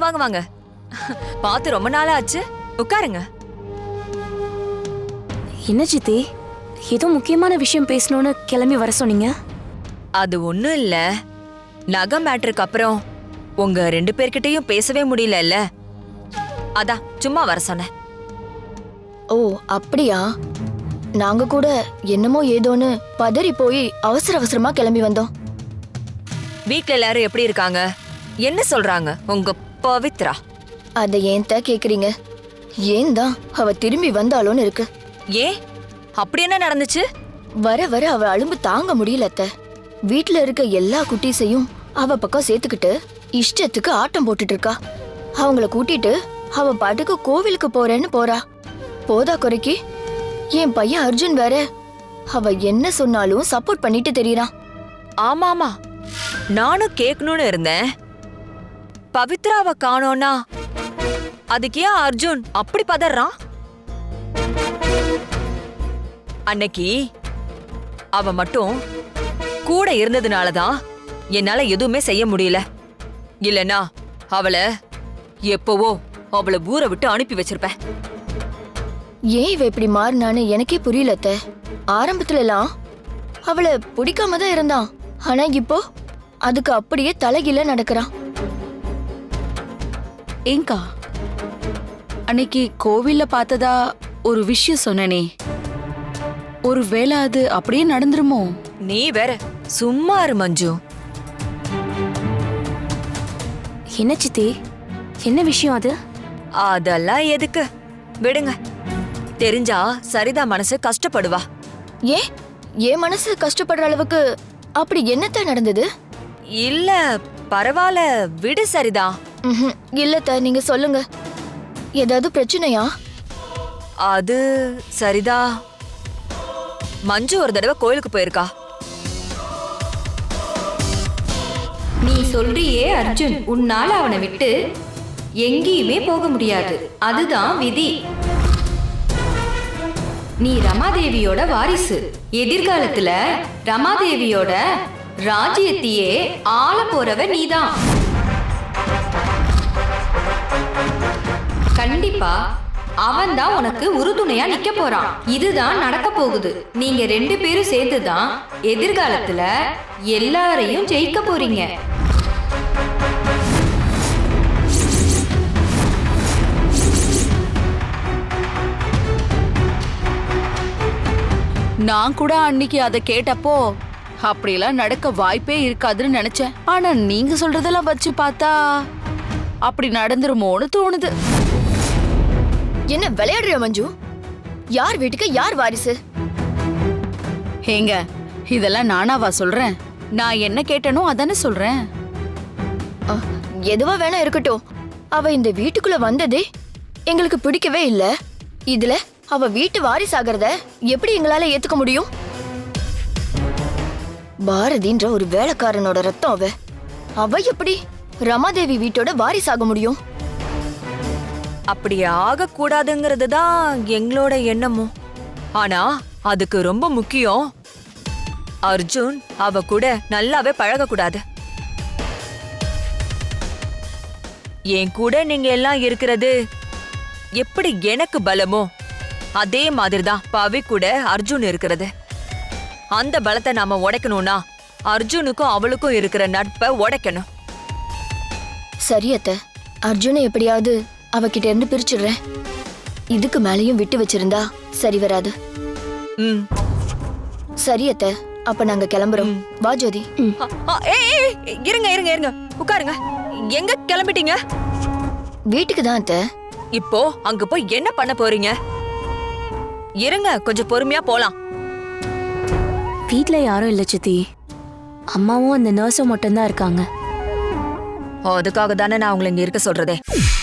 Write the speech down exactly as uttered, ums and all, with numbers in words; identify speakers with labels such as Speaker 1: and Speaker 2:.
Speaker 1: வாங்க வாங்க. பார்த்து ரொம்ப நாளா ஆச்சு. உட்காருங்க.
Speaker 2: என்ன சித்தி, ஏதோ முக்கியமான விஷயம் பேசணும்னு கிளம்பி வர சொன்னீங்க.
Speaker 1: அது ஒண்ணும் இல்ல. நகை மேட்ருக்கு அப்புறம் உங்க ரெண்டு பேர்கிட்டயும் பேசவே முடியல. அதான் சும்மா வர சொன்னேன்.
Speaker 3: ஓ அப்படியா? நாங்க கூட என்னமோ ஏதோன்னு பதறி போய் அவசர அவசரமா கிளம்பி வந்தோம்.
Speaker 1: வீட்ல எல்லாரும் எப்படி இருக்காங்க? என்ன சொல்றாங்க உங்க பவித்ரா?
Speaker 3: அதை ஏன் தான் கேக்குறீங்க? ஏன் தான் அவ திரும்பி வந்தாலும் இருக்கு.
Speaker 1: ஏன் அப்படி என்ன நடந்துச்சு?
Speaker 3: வர வர அவ அலும்பு தாங்க முடியல அத்தை. வீட்ல இருக்க எல்லா குட்டீஸையும் அவ பக்கம் சேர்த்துக்கிட்டு இஷ்டத்துக்கு ஆட்டம் போட்டுட்டு இருக்கா. அவங்கள கூட்டிட்டு அவ பாட்டுக்கு கோவிலுக்கு போறேன்னு போறா. போதா குறைக்கு என் பையன் அர்ஜுன் வேற அவ என்ன சொன்னாலும் சப்போர்ட் பண்ணிட்டு தெரியறான்.
Speaker 1: ஆமா ஆமா, நானும் கேட்கணும்னு இருந்தேன். பவித்ராவை காணோம்னா அதுக்கு ஏன் அர்ஜுன் அப்படி பதறான்? அன்னைக்கு அவ மட்டும் கூட இருந்ததுனாலதான் என்னால எதுவுமே செய்ய முடியல. இல்லனா அவளை எப்பவோ அவளை ஊரை விட்டு அனுப்பி வச்சிருப்பேன்.
Speaker 3: ஏன் இவ இப்படி மாறினான்னு எனக்கே புரியல அத்தை. ஆரம்பத்துல எல்லாம் அவளை பிடிக்காம தான் இருந்தான். ஆனா இப்போ அதுக்கு அப்படியே தலைகீழ நடக்கிறான்.
Speaker 4: ஏங்கா, அன்னைக்கு கோவில்ல பார்த்ததா ஒரு விஷயம் சொன்னனே, ஒருவேளை அது அப்படியே நடந்துருமோ?
Speaker 1: நீ வேற சும்மா இரு மஞ்சு.
Speaker 2: என்ன சித்தி, என்ன விஷயம் அது?
Speaker 1: அதெல்லாம் எதுக்கு, விடுங்க. தெரிஞ்சா சரிதா மனசு கஷ்டப்படுவா.
Speaker 3: ஏன் என் மனசு கஷ்டப்படுற அளவுக்கு அப்படி என்னத்தான் நடந்தது?
Speaker 1: இல்ல பரவாயில்ல, விடு சரிதா.
Speaker 3: ம்ஹும். இல்லத்த, நீங்க சொல்லுங்க. ஏதாவது பிரச்சனையா?
Speaker 1: அது சரிதா, மஞ்சு ஒரு தடவை கோயிலுக்கு போயிருக்கா.
Speaker 5: நீ சொல்றியே அர்ஜுன், உன்னால அவனை விட்டு எங்கேயுமே போக முடியாது. அதுதான் விதி. நீ ரமாதேவியோட வாரிசு. எதிர்காலத்துல ரமாதேவியோட ராஜ்யத்தையே ஆள போறவ நீதான். கண்டிப்பா அவன் தான் உனக்கு உறுதுணையா நிக்க போறான். இதுதான் நடக்க போகுது. நீங்க ரெண்டு பேரும் சேர்ந்துதான் எதிர்காலத்துல எல்லாரையும் ஜெயிக்க போறீங்க.
Speaker 4: நான் கூட அன்னைக்கு அதை கேட்டப்போ அப்படியெல்லாம் நடக்க வாய்ப்பே இருக்காதுன்னு நினைச்சேன். ஆனா நீங்க சொல்றதெல்லாம் வச்சு பார்த்தா அப்படி நடந்துருமோன்னு தோணுது.
Speaker 3: என்ன விளையாடுற மஞ்சு? யார் வீட்டுக்கு யார் வாரிசு?
Speaker 4: ஏங்க, இதெல்லாம் நானாவா சொல்றேன்? நான் என்ன கேட்டனோ அதானே சொல்றேன்.
Speaker 3: அ, எதுவா வேணா இருக்கட்டும். அவ இந்த வீட்டுக்குள்ள வந்ததே எங்களுக்கு பிடிக்கவே இல்ல. இதுல அவ வீட்டு வாரிசாகிறத எப்படி எங்களால ஏத்துக்க முடியும்? பாரதின்ற ஒரு வேலைக்காரனோட ரத்தம் அவ. அவ எப்படி ரமாதேவி வீட்டோட வாரிசாக முடியும்?
Speaker 1: அப்படி ஆக கூடாதுங்கிறது தான் எங்களோட எண்ணமும். ஆனா அதுக்கு ரொம்ப முக்கியம், அர்ஜுன் அவ கூட நல்லாவே பழக கூடாது. என் கூட நீங்க எல்லாம் இருக்கிறது எப்படி எனக்கு பலமோ அதே மாதிரிதான் பவி கூட அர்ஜுன் இருக்கிறது. அந்த பலத்தை நாம உடைக்கணும்னா அர்ஜுனுக்கும் அவளுக்கும் இருக்கிற நட்பை உடைக்கணும்.
Speaker 3: சரி அத்தை, அர்ஜுனை எப்படியாவது அவகிட்ட இருந்து பிரிச்சுடுறேன். இதுக்கு மேலையும் விட்டு வச்சிருந்தா சரி வராது.
Speaker 1: ம்
Speaker 3: சரி அத்தை, அப்ப நாங்க கிளம்புறோம். வா ஜோதி.
Speaker 1: ஆ, ஏய், ஏய், இருங்க இருங்க இருங்க உட்காருங்க. எங்க கிளம்பிட்டீங்க?
Speaker 3: வீட்டுக்கு தான் அத்தை.
Speaker 1: இப்போ அங்க போய் என்ன பண்ண போறீங்க? இருங்க, கொஞ்சம் பொறுமையா போலாம்.
Speaker 2: வீட்ல யாரும் இல்ல சித்தி, அம்மாவும் அந்த நர்ஸும் மட்டும்தான் இருக்காங்க.
Speaker 1: அதுக்காக தானே நான் உங்களை இங்க இருக்க சொல்றதே.